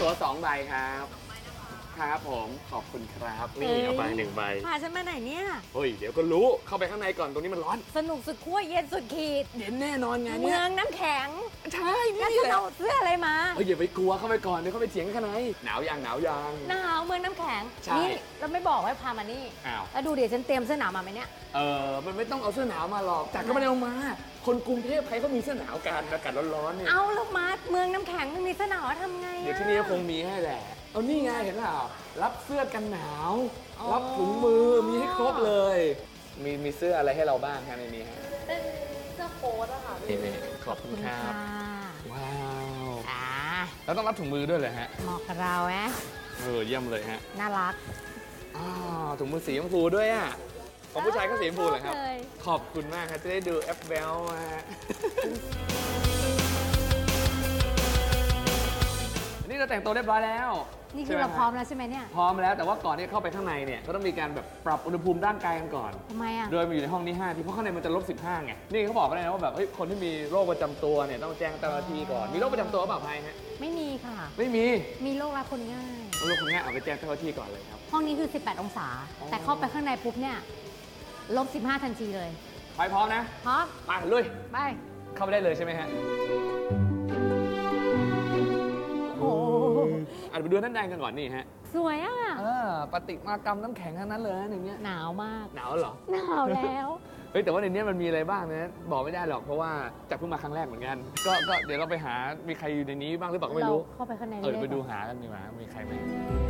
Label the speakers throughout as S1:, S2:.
S1: ว2 ใบครับครับผมขอบคุณครับนี่เอาไป1 ใบ
S2: พาฉันมาไหนเนี่ย
S1: เฮ้ยเดี๋ยวก็รู้เข้าไปข้างในก่อนตรงนี้มันร้อน
S2: สนุกสุดขั้วเย็นสุดขีด
S1: เย็นแน่นอนไง
S2: เมื
S1: เนี่ย
S2: องน้ำแข็ง
S1: ใช่นี่
S2: แล้ว
S1: แห
S2: จะ
S1: ละ
S2: เอาเสื้ออะไรมา
S1: เฮ้ยอย่าไปกลัวเข้าไปก่อนเดี๋ยวเข้าไปเถียงกันข้างในหนาวยัง
S2: หนาวเมืองน้ำแข็ง
S1: ใช่
S2: นี่เราไม่บอกว่าพามานี่
S1: อ้าว
S2: แล้วดูเดี๋ยวฉันเตรียมเสื้อหนาวมาไหมเนี่ย
S1: มันไม่ต้องเอาเสื้อหนาวมาหรอกจากก็ไม่ได้เอามาคนกรุงเทพใครก็มีเสื้อหนาวกันอากาศร้อนๆเนี่ย
S2: เอาแล้วมาเมืองน้ำแข็งไม่มีเสื้อหนาวทำไง
S1: เดี๋ยวที่นี่คงมีให้แหละเอานี่ไงเห็นเปล่ารับเสื้อกันหนาวรับถุงมือมีให้ครบเลยมีเสื้ออะไรให้เราบ้างครับในนี้ฮะ
S2: เป็นเสื้อโค้ทอะค่ะ
S1: นี่ขอบคุณครับว้าว
S2: อ่า
S1: แล้วต้องรับถุงมือด้วยเลยฮะ
S2: เหมาะกับเราไหม
S1: เยี่ยมเลยฮะ
S2: น่ารัก
S1: ถุงมือสีชมพูด้วยอ่ะของผู้ชายก็สีชมพูเหรอครับขอบคุณมากครับจะได้ดูแอปเบลมานี่เราแต่งตัวเรียบร้อยแล้ว
S2: นี่คือเราพร้อมแล้วใช่ไหมเนี่ย
S1: พร้อมแล้วแต่ว่าก่อนที่เข้าไปข้างในเนี่ยก็ต้องมีการแบบปรับอุณหภูมิร่างกายกันก่อน
S2: ทำไมอ่ะ
S1: โดยมาอยู่ในห้องนี้5 ทีเพราะข้างในมันจะ-15ไงนี่เขาบอกกันเลยนะว่าแบบคนที่มีโรคประจำตัวเนี่ยต้องแจ้งเจ้าหน้าที่ก่อนมีโรคประจำตัวเปล่าภัยฮะ
S2: ไม่มีค่ะ
S1: ไม่มี
S2: โรครับคนง่าย
S1: โรคคนง่ายเอาไปแจ้งเจ้าหน้าที่ก่อนเลยครับ
S2: ห้องนี้คือ18 องศาแต่เข้าไปข้างในปุ๊บเนี่ย-15ทันทีเลย
S1: ไปพร้อมนะ
S2: พร้อม
S1: ไปลุย
S2: ไป
S1: เข้าไปได้เลยใช่ไหมฮะ
S2: โอ้
S1: อาจจะไปดูท่านแดงกันก่อนนี่ฮะ
S2: สวยอ่ะ
S1: ประติมากรรมน้ำแข็งทั้งนั้นเลยอย่างเงี้ย
S2: หนาวมาก
S1: หนาวเหรอ
S2: หนาวแล้ว
S1: เฮ้ยแต่ว่าในนี้มันมีอะไรบ้างนะบอกไม่ได้หรอกเพราะว่าจากเพิ่งมาครั้งแรกเหมือนกันก็เดี๋ยวเราไปหามีใครอยู่ในนี้บ้างหรือเปล่าก็ไม่รู้
S2: เข้าไปข้างใน
S1: ไปดูหากันดีกว่ามีใครไหม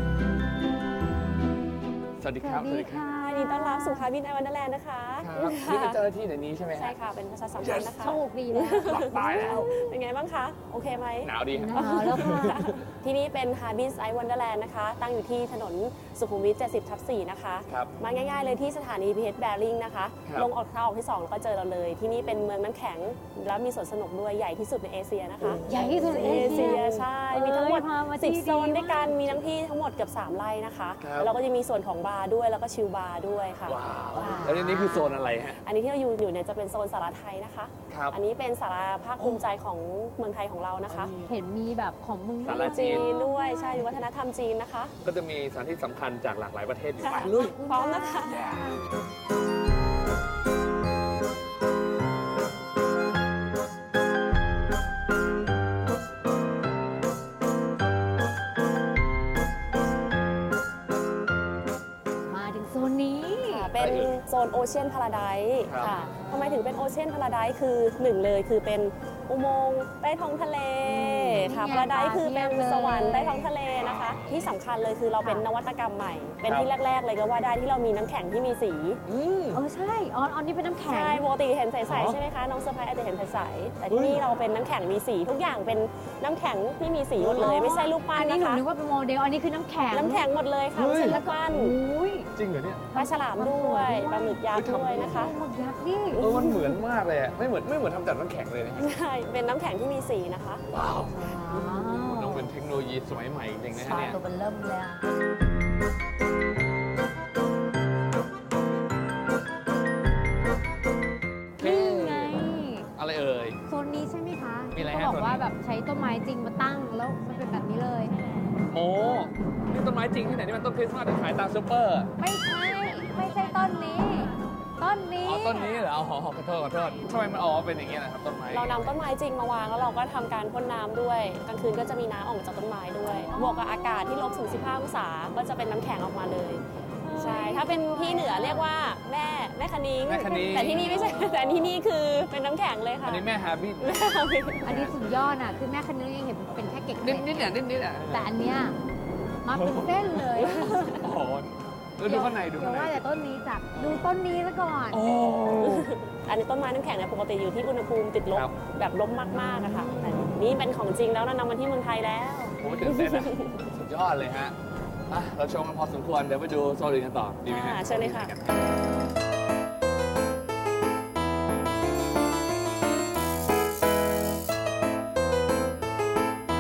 S1: สวัสดีครับ
S2: สวัสดีค่ะ
S3: ยินดีต้อนรับสู่ฮาร์บินไอวันเดอร์แลนด์นะคะ
S1: นี่เป็นเจ้าหน้าที่ในนี้ใช่ไหม
S3: ใช่ค่ะเป็นประชาสัมพันธ์นะคะ
S2: โชคดีแล้ว
S1: ตายแล้ว
S3: เป็นไงบ้างคะโอเคไหม
S1: หนาวดี
S2: หนาวแล้วค่ะ
S3: ที่นี่เป็นฮาร์บินไอวันเดอร์แลนด์นะคะตั้งอยู่ที่ถนนสุขุมวิท 70/4 นะคะมาง่ายๆเลยที่สถานี BTS Bearing นะคะลงออกทางออกที่2แล้วก็เจอเราเลยที่นี่เป็นเมืองน้ำแข็งแล้วมีสวนสนุกด้วยใหญ่ที่สุดในเอเชียนะคะ
S2: ใหญ่ที่สุดในเอเชีย
S3: ใช่มีทั้งหมด10 โซนด้วยกันมีทั้งที่ทั้งหมดเกือบ3 ไร่นะคะแล้วก็จะมีส่วนของบาร์ด้วยแล้วก็ชิลบาร์ด้วยค่ะ
S1: แล้วนี่คือโซนอะไรฮะ
S3: อันนี้ที่เราอยู่เนี่ยจะเป็นโซนสาราไทยนะคะอันนี้เป็นสาราภาคภูมิใจของเมืองไทยของเรานะคะ
S2: เห็นมีแบบของมึง
S1: สาราจีน
S3: ด้วยใช่วัฒนธรรมจีนนะคะ
S1: ก็จะมีสถานที่สำคัญจากหลากหลายประเทศอยู่
S3: ไปลุยพร้อมนะคะเป็นโซนโอเชียนพาราไดซ์ค่ะทำไมถึงเป็นโอเชียนพาราไดซ์คือ1เลยคือเป็นอุโมงค์ใต้ท้องทะเลค่ะพาราไดซ์คือเป็นสวรรค์ใต้ท้องทะเลนะคะที่สำคัญเลยคือเราเป็นนวัตกรรมใหม่เป็นที่แรกๆเลยก็ว่าได้ที่เรามีน้ำแข็งที่มีสี
S2: ใช่อันนี้เป็นน้ำแข็ง
S3: ใช่ปกติเห็นใสๆใช่ไหมคะน้องเซอร์ไพรส์อาจจะเห็นใสๆแต่ที่นี่เราเป็นน้ำแข็งมีสีทุกอย่างเป็นน้ำแข็งที่มีสีหมดเลยไม่ใช่รูปปั้นนะคะ
S2: อันนี้หนูนึกว่าเป็นโมเดลอันนี้คือน้ำแข็ง
S3: หมดเลยค่ะไม่ใช่รูปปั้น
S1: จริงเหรอเนี่ย
S3: ปลาฉลามด้วยปลาหมึกยักษ์ด้วยนะคะ
S2: หมึกยักษ์นี่
S1: มันเหมือนมากเลยไม่เหมือนทำจากน้ำแข็งเลยนะ
S3: ใช่เป็นน้ำแข็งที่มีสีนะคะ
S1: ว้าวต้องเป็นเทคโนโลยีสมัยใหม่จริงนะเนี่ย
S2: ตัวมันเริ่มเลยนี่ไง
S1: อะไรเอ่ย
S2: โซนนี้ใช่ไหมคะ
S1: มีอะไร
S2: เขาบอกว่าแบบใช้ต้นไม้จริงมาตั้งแล้วมันเป็นแบบนี้เลย
S1: โอ้นี่ต้นไม้จริงที่ไหนนี่มันต้นคริสต์มาสที่ขายตามซูเปอร์
S2: ไม่ใช่ต้นนี้ต้นนี้
S1: เหรอขอโทษทำไมมันออกเป็นอย่างเงี้ยนะครับต้นไม้
S3: เรานำต้นไม้จริงมาวางแล้วเราก็ทำการพ่นน้ำด้วยกลางคืนก็จะมีน้ำออกจากต้นไม้ด้วยบวกกับอากาศที่ลบถึง15 องศาก็จะเป็นน้ำแข็งออกมาเลยใช่ถ้าเป็นที่เหนือเรียกว่าแม่คณิ้งแต่ที่นี่ไม่ใช่แต่ที่นี่คือเป็นน้ำแข็งเลยค่ะ
S1: อันนี้แม่ฮาร์บิท
S2: อันนี้สุดยอดอ่ะคือแม่คณิ้งยังเห็นเป็นแค่เกล็ด
S1: นิด
S2: แต่อันเนี้ยมาเป็นเส้นเลย
S1: โอ้โหดูข้างใน
S2: ว่าแต่ต้นนี้จับดูต้นนี้ซะก่อน
S3: อันนี้ต้นไม้น้ำแข็งเนี่ยปกติอยู่ที่อุณหภูมิติดลบแบบลบมากๆอะค่ะแต่นี่เป็นของจริงแล้วนำมาที่เมืองไทยแล้ว
S1: โอ้ตื่นเต้นสุดยอดเลยฮะเราชมกันพอสมควรเดี๋ยวไปดูโซนอื่นกันต่อดีไหมฮะ
S3: เชิญเลยค่ะ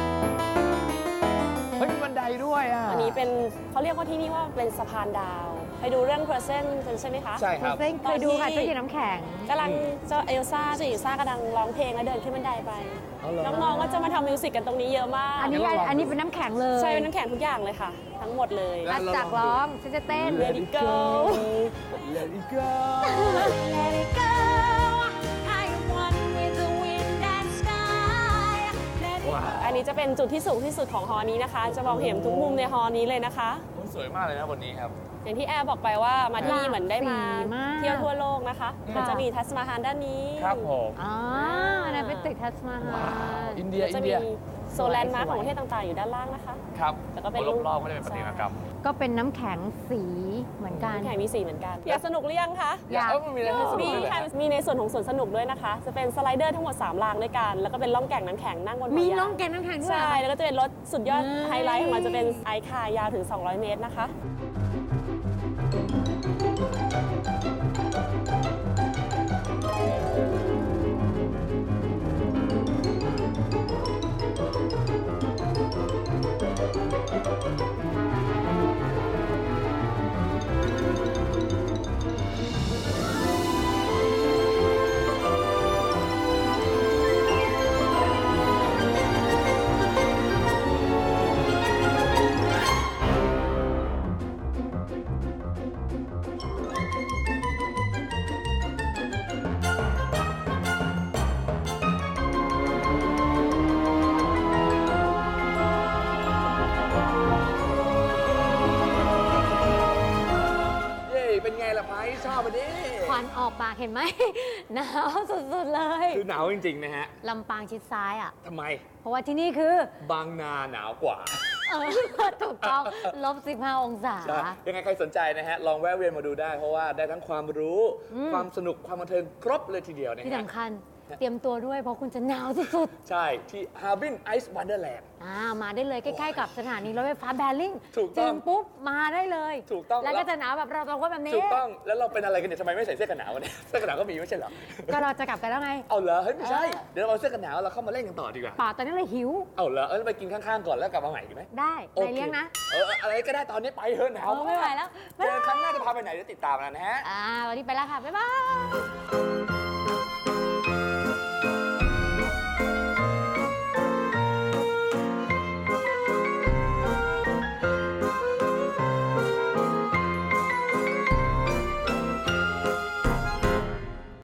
S1: เฮ้ยบันไดด้วยอ่ะ
S3: อันนี้เป็นเขาเรียกว่าที่นี่ว่าเป็นสะพานดาวไปดูเรื่อง Frozen กันใช่ไหมคะ
S1: ใช่ครับ
S2: เส้นเคยดูค่ะตู้เย็นน้ำแข็ง
S3: กำลังเจ้าเอลซ่ากำลังร้องเพลงแล้วเดินขึ้นบันไดไป
S1: เอาเหรอ
S3: น้องๆก็จะมาทำมิวสิกกันตรงนี้เยอะมาก
S2: อันนี้เป็นน้ำแข็งเลย
S3: ใช่เป็นน้ำแข็งทุกอย่างเลยค่ะ ทั้งหมดเลย
S1: แล้
S2: อัดจากร้องฉันจะเต้น
S3: Let it go
S1: Let it go
S2: Let it go I am one with the wind and sky Let it
S1: ว้าว
S3: อันนี้จะเป็นจุดที่สูงที่สุดของฮอนี้นะคะ จะมองเห็นทุกมุมในฮอนี้เลยนะคะ
S1: สวยมากเลยนะบนนี้ครับ
S3: อย่างที่แอร์บอกไปว่ามาที่นี่เหมือนได้มา
S2: สีมาก
S3: เที่ยวทั่วโลกนะคะ
S2: ค่ะ
S3: มันจะมีทัสมาฮานด้านนี้
S1: ครับผม
S2: อ๋ออันนั้นเป็นตึกทัสมาฮา
S1: ว้าว
S2: ล
S1: อินเดีย
S3: ก็
S1: อิ
S3: จะ
S1: น
S3: มี
S1: เดีย
S3: โซนแลนด์มาร์คของประเทศต่างๆอยู่ด้านล่างนะคะ
S1: ครับ
S3: แล้วก็เป็น
S1: รอบๆก็จะเป็นประติมากรรม
S2: ก็เป็นน้ำแข็งสีเหมือนกัน
S3: น้ำแข็งมีสีเหมือนกัน อยากสนุกหรือยังคะ
S2: อยาก
S1: มันมีอะไรให้สนุก
S3: มี
S1: ด้วยเหรอ
S3: ค่ะมีในส่วนของสวนสนุกด้วยนะคะ จะเป็นสไลเดอร์ทั้งหมด3รางด้วยกัน แล้วก็เป็นล่องแก่งน้ำแข็งนั่งบนหัว
S2: มี
S3: ยาง
S2: น้องแกงน้ำแข็งด้วย
S3: ใช่ แล้วก็จะเป็นรถสุดยอด
S2: อืม
S3: ไฮไลท์ของมันจะเป็นไอคาร์ยาวถึง 200 เมตรนะคะ
S1: เย้เป็นไงล่ะไพชอบไปดิ
S2: ควันออกปากเห็นไหม หนาวสุดๆเลย
S1: คือหนาวจริงๆนะฮะ
S2: ลำปางชิดซ้ายอ่ะ
S1: ทำไม
S2: เพราะว่าที่นี่คือ
S1: บางนาหนาวกว่า
S2: เออ ถูกต้อง-15 องศา
S1: ใช่ยังไงใครสนใจนะฮะ ลองแวะเวียนมาดูได้ เพราะว่าได้ทั้งความรู้ ความสนุก ความบันเทิงครบเลยทีเดียวนะ
S2: ที่
S1: ฮะ
S2: สำคัญเตรียมตัวด้วยเพราะคุณจะหนาวสุด
S1: ใช่ ที่ Harbin Ice Wonderland
S2: ๆมาได้เลยใกล้ๆกับสถานีรถไฟฟ้าแบริ่ง
S1: ถูกต้อง
S2: ถึงปุ๊บมาได้เลย
S1: ถูกต้อง
S2: แล้วก็จะหนาวแบบเราสองคนแบบนี้
S1: ถูกต้อง แล้วเราเป็นอะไรกันเนี่ยทำไมไม่ใส่เสื้อกันหนาววันนี้ เสื้อกันหนาวก็มีไม่ใช่เหรอ
S2: ก็เราจะกลับกันแล้วไง
S1: เอาเหรอ เฮ้ยไม่ใช่
S2: เออ
S1: เดี๋ยวเราเอาเสื้อกันหนาวเราเข้ามาเล่นกันต่อดีกว่า
S2: ป่าตอนนี้เลยหิว
S1: เอาเหรอ ไปกินข้างๆก่อนแล้วกลับมาใหม่ดีไหม
S2: ได้
S1: โอค
S2: นายเลี้ยงนะ
S1: อะไรก็ได้ตอนนี้ไปเถอะหนาว
S2: ไม่ไหวแล้ว
S1: เจอครั้งหน้าจะพาไปไหนเดี๋ยวติดตามนะฮะ
S2: วันนี้ไปแล้วค่ะ บ๊ายบาย